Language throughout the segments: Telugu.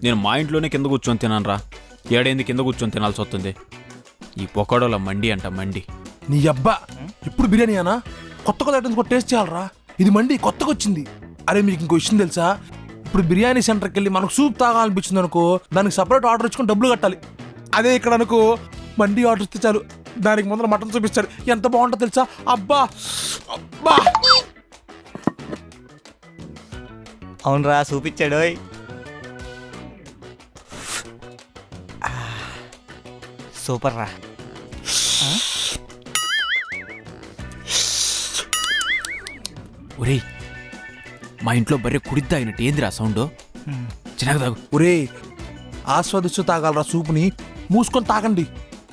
నేను మా ఇంట్లోనే కింద కూర్చొని తినాను రా. ఏడైంది కింద కూర్చొని తినాల్సి వస్తుంది. ఈ పొకాడోల మండి అంట మండి. నీ అబ్బా ఇప్పుడు బిర్యానీ అనా కొత్త కొత్త ఐటమ్స్ కూడా టేస్ట్ చేయాలరా. ఇది మండి కొత్తగా వచ్చింది. అరే మీకు ఇంకో విషయం తెలుసా, ఇప్పుడు బిర్యానీ సెంటర్కి వెళ్ళి మనకు సూప్ తాగాలనిపించింది అనుకో, దానికి సపరేట్ ఆర్డర్ ఇచ్చుకొని డబ్బులు కట్టాలి. అదే ఇక్కడ అనుకో మండి ఆర్డర్ ఇస్తే చాలు, దానికి ముందర మటన్ చూపిస్తాడు. ఎంత బాగుంటుందో తెలుసా. అబ్బా అబ్బా అవునరా చూపించాడు. సూపర్ రా. ఒరేయ్ మా ఇంట్లో బర్రె కుడిద్దా అయినట్టు ఏందిరా సౌండ్? చిన్నగా తాగు. ఒరే ఆస్వాదిస్తూ తాగాలరా సూప్ని, మూసుకొని తాగండి.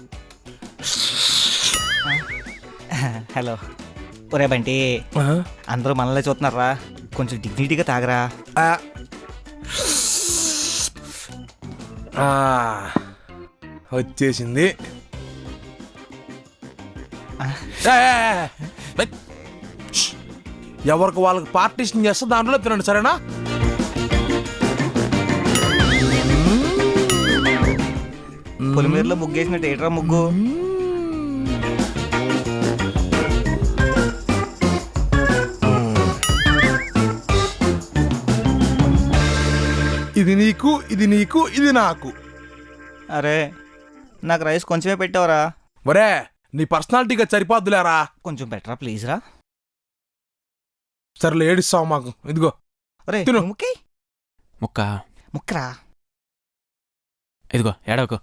హలో ఒరే బంటి, అందరూ మనల్ని చూస్తున్నారా, కొంచెం డిగ్నిటీగా తాగరా. వచ్చేసింది. ఎవరికి వాళ్ళకి పార్టీషన్ చేస్తే దాంట్లో తినండి, సరేనా? పొలిమేరలో ముగ్గేసినట్టు ఏట్రా ముగ్గు. ఇది నీకు, ఇది నీకు, ఇది నాకు. అరే నాకు రైస్ కొంచెమే పెట్టావరా. ఒరే నీ పర్సనాలిటీగా సరిపోద్దులేరా. కొంచెం పెట్టరా ప్లీజ్ రా. సరేలే ఏడిస్తావు మాకు. ఇదిగో అరే తిను. ముక్కి ముక్క ముక్కరా. ఇదిగో ఏడవకు.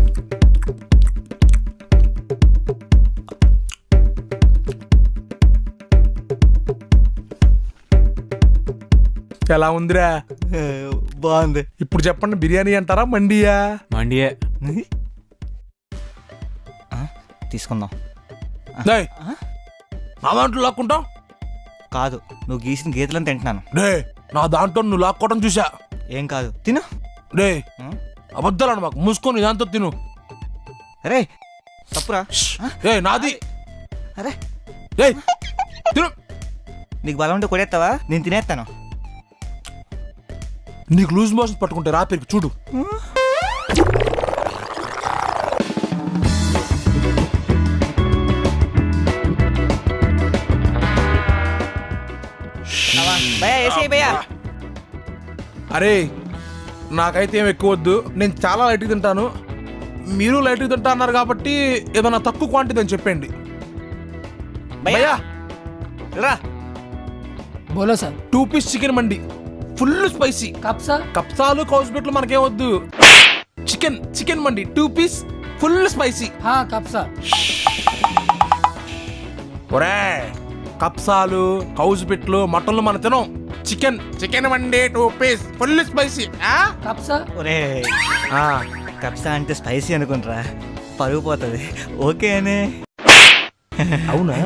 ఎలా ఉందిరా? బాగుంది. ఇప్పుడు చెప్పండి, బిర్యానీ అంటారా మండియా? మండియే. తీసుకుందాం. డేయ్, నా దాంట్లో లాక్కుంటావు? కాదు, నువ్వు గీసిన గీతలను తింటున్నాను. డే నా దాంట్లో నువ్వు లాక్కోవడం చూసా. ఏం కాదు, తిను. డే అబద్ధాలను మాకు, మూసుకొని దాంతో తిను. అరే తప్పురా. ఏ నాది. అరే ఏ తిను. నీకు బలం ఉంటే కొడేస్తావా? నేను తినేస్తాను. నీకు లూజ్ మోషన్ పట్టుకుంటే రాత్రికి చూడు. అరే నాకైతే ఏం ఎక్కువ వద్దు, నేను చాలా లైట్గా తింటాను. మీరు లైట్గా తింటా అన్నారు కాబట్టి ఏదైనా తక్కువ క్వాంటిటీ అని చెప్పండి. భయ్యా రా. బోలో సార్. 2 పీస్ చికెన్ మండి, ఫుల్ స్పైసీ. కప్సా? కప్సాలు కౌస్బెట్లు మనకేం వద్దు. చికెన్ చికెన్ మండి 2 పీస్ ఫుల్ స్పైసీ. హా కప్సా. ఒరే కప్సాలు కౌస్బెట్లు మటన్లు మన తినం. చికెన్ చికెన్ మండి 2 పీస్ ఫుల్ స్పైసీ. కప్సా? ఒరే కప్సా అంటే స్పైసీ అనుకుంటారా, పరుగు పోతుంది. ఓకే అనే. అవునా?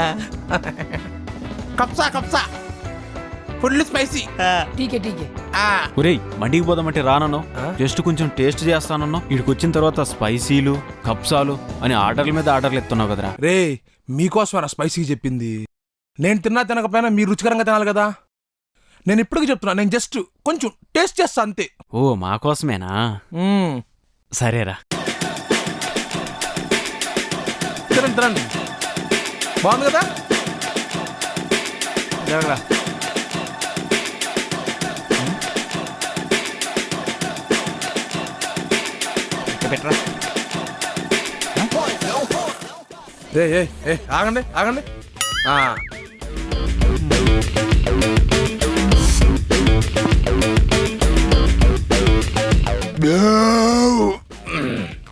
కప్సా కప్సా ఫుల్ స్పైసీ. టీకే టీకే. ఒరేయ్ మండికి పోదామంటే రానను, జస్ట్ కొంచెం టేస్ట్ చేస్తానన్నా. ఇక్కడికి వచ్చిన తర్వాత స్పైసీలు కప్సాలు అని ఆర్డర్ల మీద ఆర్డర్లు ఎత్తున్నావు కదరా. రే మీకోసమేనా స్పైసీ చెప్పింది? నేను తిన్నా తినకపోయినా మీరు రుచికరంగా తినాలి కదా. నేను ఇప్పటికీ చెప్తున్నా, నేను జస్ట్ కొంచెం టేస్ట్ చేస్తా అంతే. ఓ మా కోసమేనా? సరేరా. తినండి తినండి, బాగుంది కదా. జరగరా. పెట్టరా. ఏ ఆగండి ఆగండి.